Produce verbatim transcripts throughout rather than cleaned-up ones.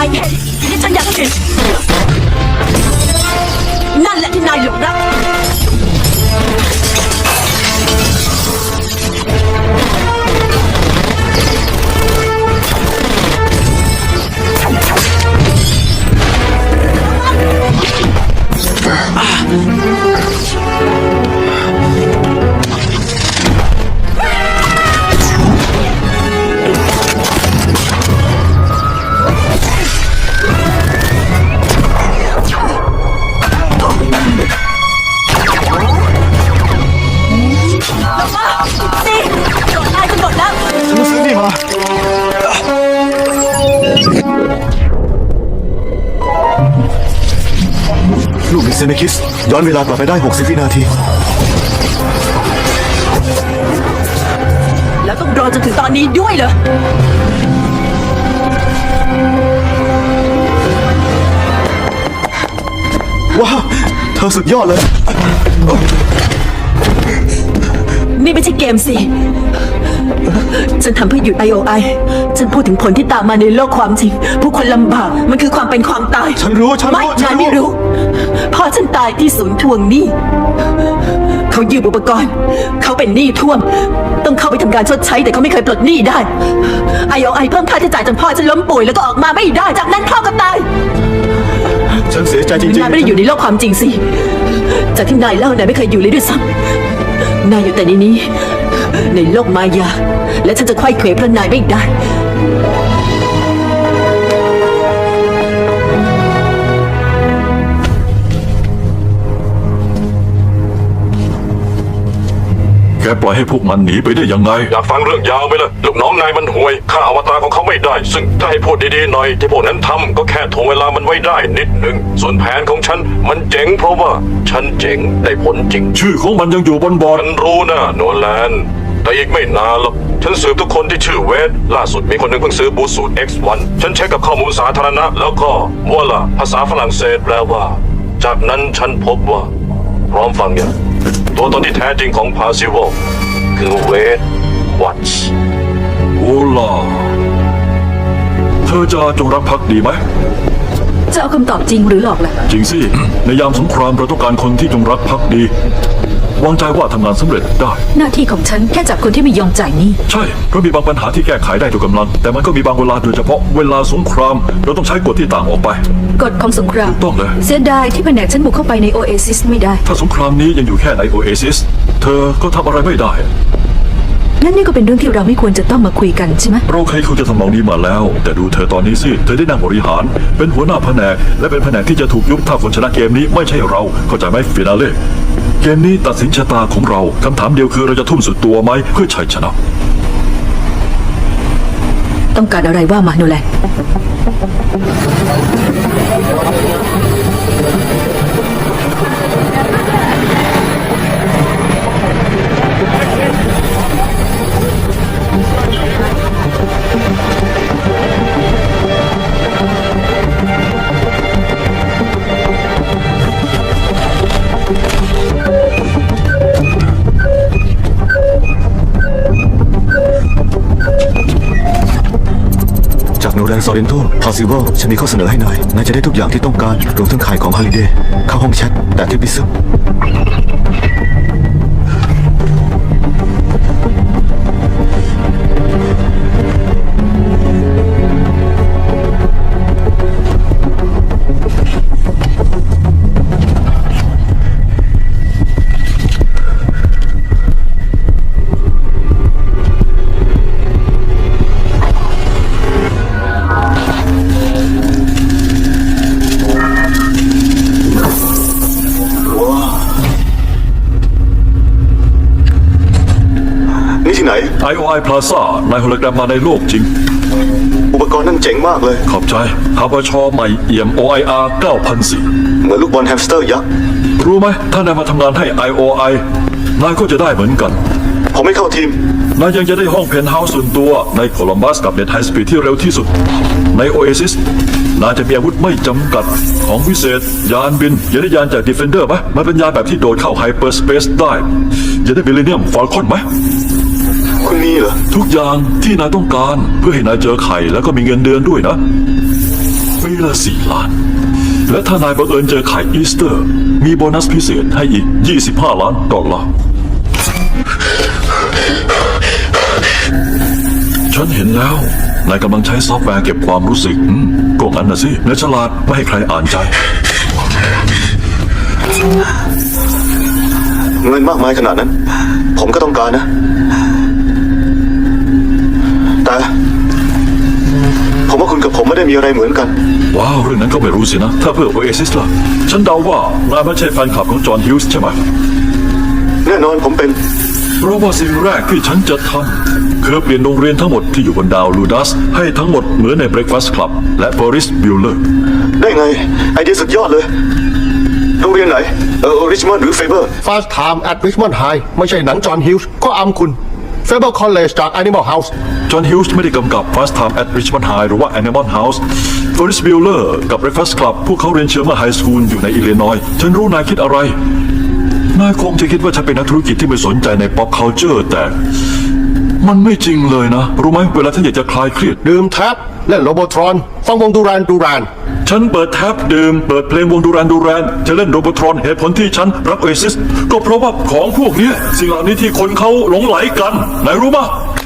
ายเห็นที่ฉันอยากเห็นนั่นแหละที่นายหลงรักลูกมิเซเนคิสย้อนเวลากลับไปได้หกสิบวินาทีแล้วต้องรอจนถึงตอนนี้ด้วยเหรอว้าวเธอสุดยอดเลยนี่ไม่ใช่เกมสิฉันทำเพื่อหยุด ไอ โอ ไอ ฉันพูดถึงผลที่ตามมาในโลกความจริงผู้คนลำบากมันคือความเป็นความตายฉันรู้ฉันรู้ไม่นายไม่รู้พ่อฉันตายที่ศูนย์ทวงหนี้เขายืมอุปกรณ์เขาเป็นหนี้ท่วมต้องเข้าไปทำการชดใช้แต่เขาไม่เคยปลดหนี้ได้ ไอ โอ ไอ เพิ่มค่าใช้จ่ายจนพ่อฉันล้มป่วยแล้วก็ออกมาไม่ได้จากนั้นพ่อก็ตายฉันเสียใจจริงๆนายไม่ได้อยู่ในโลกความจริงสิจากที่นายเล่านายไม่เคยอยู่เลยด้วยซ้ำนายอยู่แต่ในนี้ในโลกมายาและฉันจะไขว้เขวเพราะนายไม่ได้แกปล่อยให้พวกมันหนีไปได้ยังไงอยากฟังเรื่องยาวไหมล่ะลูกน้องนายมันห่วยฆ่าอวตารของเขาไม่ได้ซึ่งถ้าให้พูดดีๆหน่อยที่พวกนั้นทำก็แค่ถ่วงเวลามันไว้ได้นิดหนึ่งส่วนแผนของฉันมันเจ๋งเพราะว่าฉันเจ๋งได้ผลจริงชื่อของมันยังอยู่บนบอร์ดฉันรู้นะโนแลนแต่อีกไม่นานหรอกฉันสืบทุกคนที่ชื่อเวสล่าสุดมีคนหนึ่งเพิ่งซื้อบูสูตร เอ็กซ์ วัน ฉันเช็คกับข้อมูลสาธารณะแล้วก็มัวล่ะภาษาฝรั่งเศสแปลว่าจากนั้นฉันพบว่าพร้อมฟังอย่างตัวตนที่แท้จริงของพาซิโวคือเวสวัตส์โอล่าเธอจะจงรักภักดีไหมจะเอาคำตอบจริงหรือหลอกล่ะจริงสิ ในยามสงครามเราต้องการคนที่จงรักภักดีวางใจว่าทำงานสำเร็จได้หน้าที่ของฉันแค่จับคนที่ไม่ยอมจ่ายหนี้ใช่เพราะมีบางปัญหาที่แก้ไขได้ด้วยกำลังแต่มันก็มีบางเวลาโดยเฉพาะเวลาสงครามเราต้องใช้กฎที่ต่างออกไปกฎของสงครามถูกต้องเลยเสียดายที่แผนกฉันบุกเข้าไปในโอเอซิสไม่ได้ถ้าสงครามนี้ยังอยู่แค่ในโอเอซิสเธอก็ทำอะไรไม่ได้นั่นนี่ก็เป็นเรื่องที่เราไม่ควรจะต้องมาคุยกันใช่ไหมเราเคยคุยจะทำนองนี้มาแล้วแต่ดูเธอตอนนี้สิเธอได้นั่งบริหารเป็นหัวหน้าแผนกและเป็นแผนกที่จะถูกยุบถ้าคนชนะเกมนี้ไม่ใช่เราเข้าใจไหมฟินาเล่เกมนี้ตัดสินชะตาของเราคำถามเดียวคือเราจะทุ่มสุดตัวไหมเพื่อชัยชนะต้องการอะไรว่ามาโนแลนจากโนแลนซอรินโต possible ฉันมีข้อเสนอให้นายนายจะได้ทุกอย่างที่ต้องการรวมทั้งขายของฮาลิเดย์เข้าห้องแชทแต่ที่พิซึมไอ โอ ไอ Plaza นายโฮโลแกรมมาในโลกจริงอุปกรณ์นั่นเจ๋งมากเลยขอบใจฮาบชใหม่เอี่ยม โอ ไอ อาร์ เก้าพันสี่เหมือนลูกบอลแฮมสเตอร์ยักษ์รู้ไหมถ้านายมาทำงานให้ ไอ โอ ไอ นายก็จะได้เหมือนกันผมไม่เข้าทีมนายยังจะได้ห้องเพนท์เฮาส์ส่วนตัวในโคลัมบัสกับเน็ตไฮสปีดที่เร็วที่สุดในโอเอซิสนายจะมีอาวุธไม่จำกัดของวิเศษยานบินอย่าได้ยานจากดีเฟนเดอร์ไหมมันเป็นยานแบบที่โดดเข้าไฮเปอร์สเปซได้อย่าได้มิลเลนเนียมฟอลคอนไหมคุณมีเหรอทุกอย่างที่นายต้องการเพื่อให้นายเจอไข่แล้วก็มีเงินเดือนด้วยนะปีละสี่ล้าน และถ้านายบังเอิญเจอไข่อีสเตอร์ มีโบนัสพิเศษให้อีก ยี่สิบห้า ล้านดอลลาร์ ฉันเห็นแล้ว นายกำลังใช้ซอฟต์แวร์เก็บความรู้สึกอืมก็งั้นนะสินายฉลาดไม่ให้ใครอ่านใจเงินมากมายขนาดนั้น ผมก็ต้องการนะ แต่ผมว่าคุณกับผมไม่ได้มีอะไรเหมือนกันว้าวเรื่องนั้นก็ไม่รู้สินะ ถ้าเพื่อ Oasis ล่ะ ฉันเดาว่านายไม่ใช่แฟนคลับของจอห์นฮิวส์ใช่ไหมแน่นอนผมเป็นเพราะว่าสิ่งแรกที่ฉันจะทำคือเปลี่ยนโรงเรียนทั้งหมดที่อยู่บนดาวลูดัส ให้ทั้งหมดเหมือนใน Breakfast Club และ Ferris Bueller ได้ไง ไอเดียสุดยอดเลย โรงเรียนไหน เออริชมอนด์หรือเฟเบอร์ Fast Time at Richmond High ไม่ใช่หนังจอห์นฮิวส์ก็อำคุณ Faber College จาก Animal House จอห์นฮิวส์ไม่ได้กำกับ Fast Time at Richmond High หรือว่า Animal House Ferris Bueller กับ Breakfast Club พวกเขาเรียนเชอร์มาไฮสคูลอยู่ในอิลลินอยส์ฉันรู้นายคิดอะไร นายคงจะคิดว่าฉันเป็นนักธุรกิจที่ไม่สนใจใน pop culture แต่มันไม่จริงเลยนะ รู้ไหมเวลาฉันอยากจะคลายเครียดดื่มแท็บเล่นโรโบทรอนฟังวงดูรานดูรานฉันเปิดแท็บดื่มเปิดเพลงวงดูแรนดูแรนจะเล่นโรบอทรอนเหตุผลที่ฉันรักโอเอซิสก็เพราะว่าของพวกเนี้ยสิ่งเหล่านี้ที่คนเขาหลงไหลกันนายรู้ปะ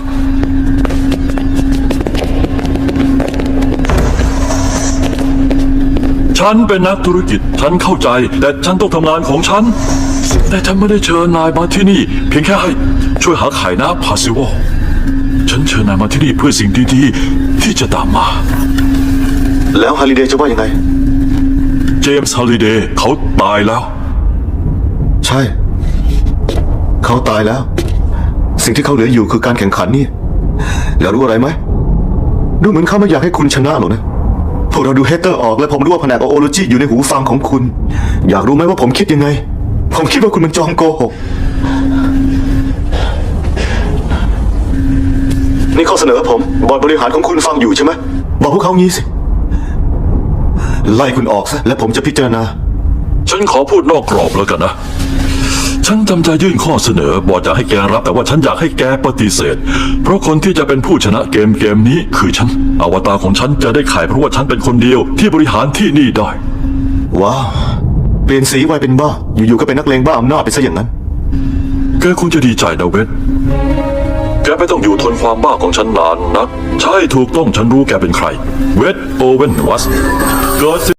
ฉันเป็นนักธุรกิจฉันเข้าใจแต่ฉันต้องทำงานของฉัน แต่ฉันไม่ได้เชิญนายมาที่นี่ เพียงแค่ให้ช่วยหาไข่น้ำพาซิวฉันเชิญนายมาที่นี่เพื่อสิ่งดีๆที่จะตามมาแล้วฮาริเดย์จะว่ายังไงเจมส์ฮอลลิเดย์เขาตายแล้วใช่ เขาตายแล้ว สิ่งที่เขาเหลืออยู่คือการแข่งขันนี่ แล้วรู้อะไรไหม ดูเหมือนเขาไม่อยากให้คุณชนะหรอกนะ พวกเราดูเฮเตอร์ออกและผมรู้ว่าแผนกโอโลจีอยู่ในหูฟังของคุณ อยากรู้ไหมว่าผมคิดยังไง ผมคิดว่าคุณมันจอมโกหก นี่ข้อเสนอผม บอร์ดบริหารของคุณฟังอยู่ใช่ไหม บอกพวกเขางี้สิ ไล่คุณออกซะและผมจะพิจารณาฉันขอพูดนอกกรอบแล้วกันนะ ฉันจำใจยื่นข้อเสนอบอกจะให้แกรับแต่ว่าฉันอยากให้แกปฏิเสธ เพราะคนที่จะเป็นผู้ชนะเกมเกมนี้คือฉัน อวตารของฉันจะได้ขายเพราะว่าฉันเป็นคนเดียวที่บริหารที่นี่ได้ว้าว เปลี่ยนสีวัยเป็นบ้า อยู่ๆก็เป็นนักเลงบ้าอำนาจไปซะอย่างนั้นแกคงจะดีใจนะเวทแกไม่ต้องอยู่ทนความบ้าของฉันนานนัก ใช่ถูกต้องฉันรู้แกเป็นใคร เวทโอเวนวัสเกิด